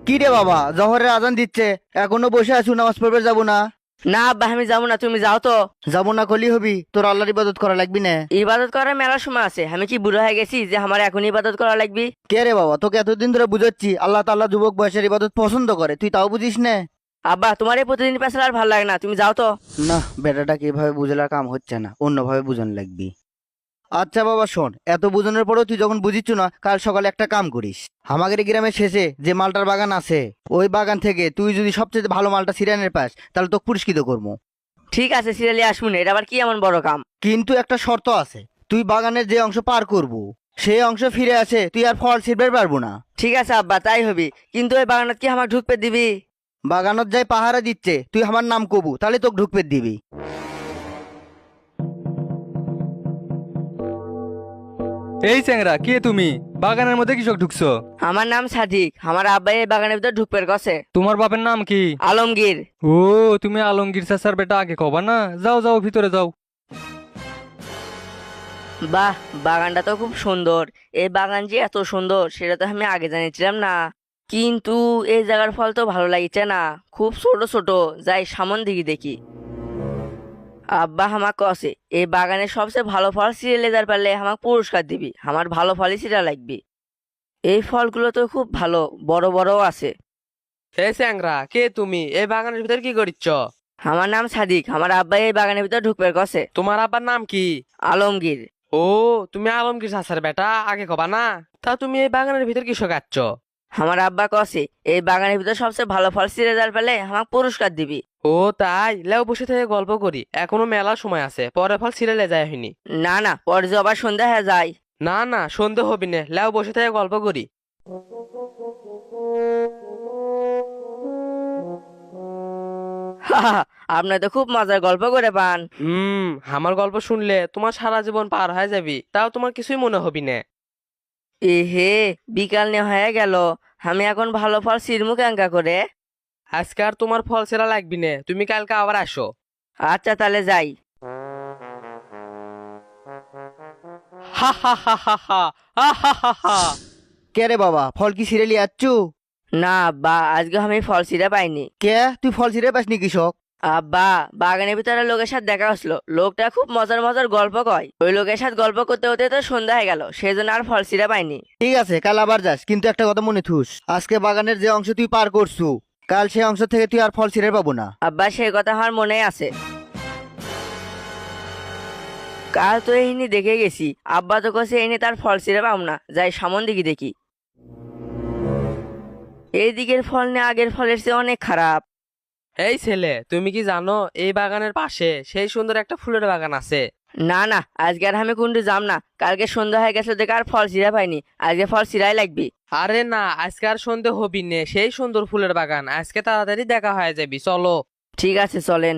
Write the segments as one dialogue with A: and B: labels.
A: কি রে বাবা, জহরের আজান দিচ্ছে, এখনো বসে আছো, নামাজ পড়বে যাবো না?
B: না আব্বা, আমি যাবো না, তুমি যাও তো।
A: যাবো না কলি হবি? তোর আল্লাহর ইবাদত করা লাগবি না?
B: ইবাদত করার মেলার সময় আছে, আমি কি বুড়ো হয়ে গেছি যে আমার এখন ইবাদত করা লাগবে?
A: কে রে বাবা, তোকে এতদিন ধরে বুঝাচ্ছি আল্লাহ তাআলা যুবক বয়সের ইবাদত পছন্দ করে, তুই তাও বুঝিস না?
B: আব্বা, তোমার এই প্রতিদিন পেছাল আর ভালো লাগে না, তুমি যাও তো।
A: না, বেটাটাকে এভাবে বুঝার কাম হচ্ছে না, অন্যভাবে বুঝান লাগবি। আচ্ছা বাবা শোন, এত বুঝানোর পরেও তুই যখন বুঝিচ্ছ না, কাল সকালে একটা কাম করিস। আমাদের এই গ্রামের শেষে যে মালটার বাগান আছে, ওই বাগান থেকে তুই যদি সবচেয়ে ভালো মালটা সিরিয়ানের পাস, তাহলে তোকে পুরস্কৃত করবো।
B: ঠিক আছে, সিরিয়ালি আসবো না, এটা আবার কি এমন বড় কাম?
A: কিন্তু একটা শর্ত আছে, তুই বাগানের যে অংশ পার করবো সেই অংশ ফিরে আসে তুই আর ফল ছিঁড়বে পারবো না।
B: ঠিক আছে আব্বা, তাই হবি, কিন্তু ওই বাগানত কি আমাকে ঢুকতে দিবি?
A: বাগানত যাই পাহারা দিচ্ছে, তুই আমার নাম কবু, তাহলে তোকে ঢুকপে দিবি।
C: এই চ্যাংরা, কে তুমি? বাগানের মধ্যে কৃষক ঢুকছো?
B: আমার নাম সাদিক, আমার আব্বা এই বাগানের ভিতর ঢুকপের গছে।
C: তোমার বাপের নাম কি?
B: আলমগীর।
C: ও, তুমি আলমগীর চাচার বেটা, আগে কবা না? যাও যাও, ভিতরে যাও।
B: বাহ, বাগানটা তো খুব সুন্দর। এই বাগান যে এত সুন্দর সেটা তো আমি আগে জানিছিলাম না। কিন্তু এই জায়গার ফল তো ভালো লাগছে না, খুব ছোট ছোট। যাই সামন দিকে দেখি। আব্বা আমাকে কসে এই বাগানের সবচেয়ে ভালো ফল ছিঁড়ে লেজার পারলে আমাকে পুরস্কার দিবি, আমার ভালো ফলই ছিঁড়া লাগবে। এই ফলগুলো তো খুব ভালো, বড় বড়ও আছে।
D: হে স্যাংরা, কে তুমি? এই বাগানের ভিতর কি করিচ্ছ?
B: আমার নাম সাদিক, আমার আব্বা এই বাগানের ভিতর ঢুকবে কসে।
D: তোমার আব্বার নাম কি?
B: আলমগীর।
D: ও, তুমি আলমগীর চাচার বেটা, আগে কবা না? তা তুমি এই বাগানের ভিতর কি শোকাচ্ছ?
B: আমার আব্বা কসে এই বাগানের ভিতর সবচেয়ে ভালো ফল ছিঁড়ে যার পেলে আমাকে পুরস্কার দিবি।
D: ও তাই, লেও বসে থেকে গল্প করি, এখনো মেলা সময় আছে, পরে ফল ছিঁড়ে যায় হয়নি।
B: না না, পরে যে আবার সন্ধ্যা হয়ে যায়।
D: না না, সন্ধে হবি না, লেও বসে থেকে গল্প করি।
B: আপনার তো খুব মজার গল্প করে পান।
D: আমার গল্প শুনলে তোমার সারা জীবন পার হয়ে যাবি, তাও তোমার কিছুই মনে হবি না।
B: এ হে, বিকাল নে হয়ে গেল, আমি এখন ভালো ফল ছিঁড়মু কেঙ্কা করে?
D: আজকে আর তোমার ফল ছেঁড়া লাগবি না, তুমি কালকে আবার আসো।
B: আচ্ছা তাহলে যাই।
D: হা হা হা হা হা হা হা হা হা।
A: কে রে বাবা, ফল কি সিরিয়ালি আচ্ছু?
B: না আব্বা, আজকে আমি ফল ছিঁড়ে পাইনি।
A: কে, তুই ফল ছিঁড়ে পাসনি কৃষক?
B: আব্বা, বাগানের ভিতরে লোকের সাথে দেখা হচ্ছিল, লোকটা খুব মজার মজার গল্প কয়, ওই লোকের সাথে গল্প করতে হতে তো সন্ধ্যা হয়ে গেল, সেই জন্য আর ফল ছিঁড়ে পাইনি।
A: ঠিক আছে, কাল আবার যাস, কিন্তু একটা কথা মনে থুস, আজকে বাগানের যে অংশ তুই পার করছু, কাল সেই অংশ থেকে তুই আর ফল ছিঁড়ে পাবো না।
B: আব্বা, সেই কথা আমার মনে আছে। কাল তো এইনি দেখে গেছি, আব্বা তো কছে এইনি তার ফল ছিঁড়ে পাম না, যাই সামন দিকে দেখি। এই দিকের ফল নিয়ে আগের ফলের চেয়ে অনেক খারাপ।
D: এই ছেলে, তুমি কি জানো এই বাগানের পাশে সেই সুন্দর একটা ফুলের বাগান আছে?
B: না না, আজকে আর আমি কুন্ডু যাম না, কালকে সন্ধ্যা হয়ে গেছে দেখে আর ফল ছিঁড়া পাইনি, আজকে ফল ছিঁড়াই লাগবে।
D: আরে না, আজকে আর সন্ধে হবি নে, সেই সুন্দর ফুলের বাগান আজকে তাড়াতাড়ি দেখা হয়ে যাবি, চলো।
B: ঠিক আছে চলেন।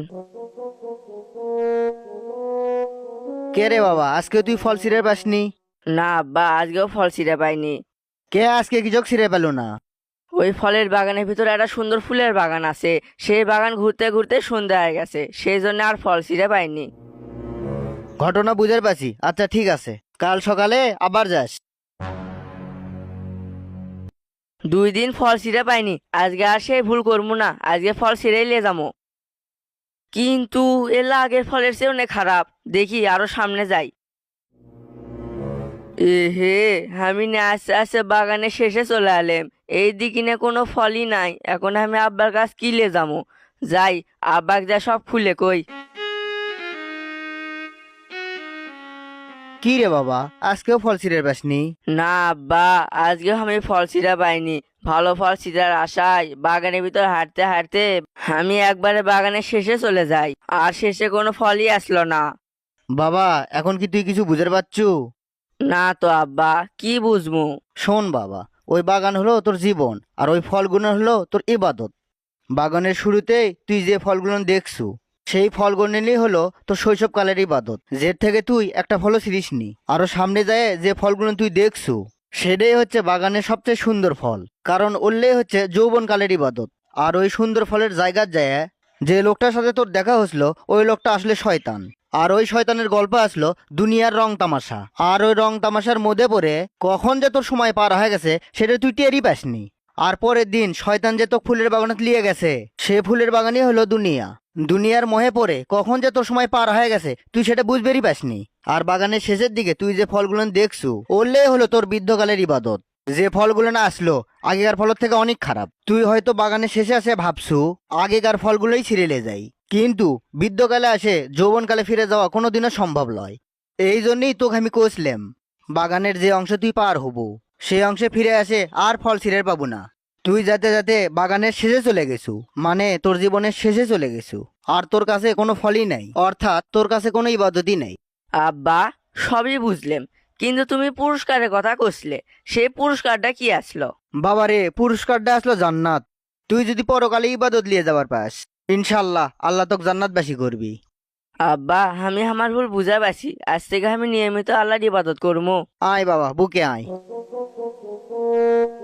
A: কে রে বাবা, আজকে তুই ফল ছিঁড়ে পাসনি?
B: না আব্বা, আজকেও ফল ছিঁড়ে পাইনি।
A: কে আজকে কৃষক ছিঁড়ে পেল না?
B: ওই ফলের বাগানের ভিতরে একটা সুন্দর ফুলের বাগান আছে, সেই বাগান ঘুরতে ঘুরতে সন্ধ্যা হয়ে গেছে, সেই জন্য আর ফল ছিঁড়ে পাইনি।
A: ঘটনা বুঝার পাচ্ছি, আচ্ছা ঠিক আছে, কাল সকালে আবার যাস।
B: 2 দিন ফল ছিঁড়ে পাইনি, আজকে আর সেই ভুল করবো না, আজকে ফল ছিঁড়েই নিয়ে যাবো। কিন্তু এলা আগের ফলের চেয়ে অনেক খারাপ, দেখি আরো সামনে যাই। এ হে, আমি না আস্তে আস্তে বাগানের শেষে চলে এলাম, এই দিকে না কোনো ফলই নাই, এখন আমি আব্বার কাছ কিলে যাবো। যাই, আব্বাক যা সব খুলে কই।
A: কি রে বাবা, আজকেও ফল ছিঁড়ে পাসনি?
B: না আব্বা, আজকেও আমি ফল ছিঁড়া পাইনি, ভালো ফল ছিঁড়ার আশায় বাগানের ভিতর হাঁটতে হাঁটতে আমি একবারে বাগানের শেষে চলে যাই, আর শেষে কোনো ফলই আসলো না।
A: বাবা, এখন কি তুই কিছু বুঝতে পারছু?
B: না তো আব্বা, কি বুঝবো?
A: শোন বাবা, ওই বাগান হলো তোর জীবন, আর ওই ফলগুলো হলো তোর ইবাদত। বাগানের শুরুতেই তুই যে ফলগুলো দেখছু, সেই ফলগুলি হলো তোর শৈশবকালের ইবাদত, যে থেকে তুই একটা ফলও ছিঁড়িসনি। আরো সামনে যায় যে ফলগুলো তুই দেখছু, সেটাই হচ্ছে বাগানের সবচেয়ে সুন্দর ফল, কারণ ওরলেই হচ্ছে যৌবনকালের ইবাদত। আর ওই সুন্দর ফলের জায়গার যায় যে লোকটার সাথে তোর দেখা হয়েছিল, ওই লোকটা আসলে শয়তান, আর ওই শয়তানের গল্প আসলো দুনিয়ার রং তামাশা। আর ওই রং তামাশার মধ্যে পড়ে কখন যে তোর সময় পার হয়ে গেছে সেটা তুই টেরই পাসনি। আর পরের দিন শয়তান যে তো ফুলের বাগানত লিয়ে গেছে, সে ফুলের বাগানই হলো দুনিয়া। দুনিয়ার মোহে পড়ে কখন যে তোর সময় পার হয়ে গেছে তুই সেটা বুঝবেরই পাসনি। আর বাগানের শেষের দিকে তুই যে ফলগুলো দেখছু, ওলে হলো তোর বৃদ্ধকালের ইবাদত। যে ফলগুলো না আসলো আগেকার ফলের থেকে অনেক খারাপ। তুই হয়তো বাগানের শেষে আসে ভাবছু আগেকার ফলগুলোই ছিঁড়ে যায়, কিন্তু বৃদ্ধকালে আসে যৌবনকালে ফিরে যাওয়া কোনোদিনও সম্ভব নয়। এই জন্যই তোকে আমি কইছিলাম, বাগানের যে অংশ তুই পার হবো সেই অংশে ফিরে আসে আর ফল ছিঁড়ে পাবো না। তুই যাতে যাতে বাগানের শেষে চলে গেছু, মানে তোর জীবনের শেষে চলে গেছু, আর তোর কাছে কোনো ফলই নাই, অর্থাৎ তোর কাছে কোনো ইবাদতই নাই।
B: আব্বা, সবই বুঝলাম, কিন্তু তুমি পুরস্কারের কথা কইছিলে, সেই পুরস্কারটা কি আসলো?
A: বাবারে, পুরস্কারটা আসলো জান্নাত। তুই যদি পরকালে ইবাদত লিয়ে যাবার পাস, ইনশাল্লাহ আল্লাহ তোকে জান্নাতবাসী করবি।
B: আব্বা, আমি আমার ভুল বুঝা পারছি, আজ থেকে আমি নিয়মিত আল্লাহর ইবাদত করবো।
A: আয় বাবা, বুকে আয়।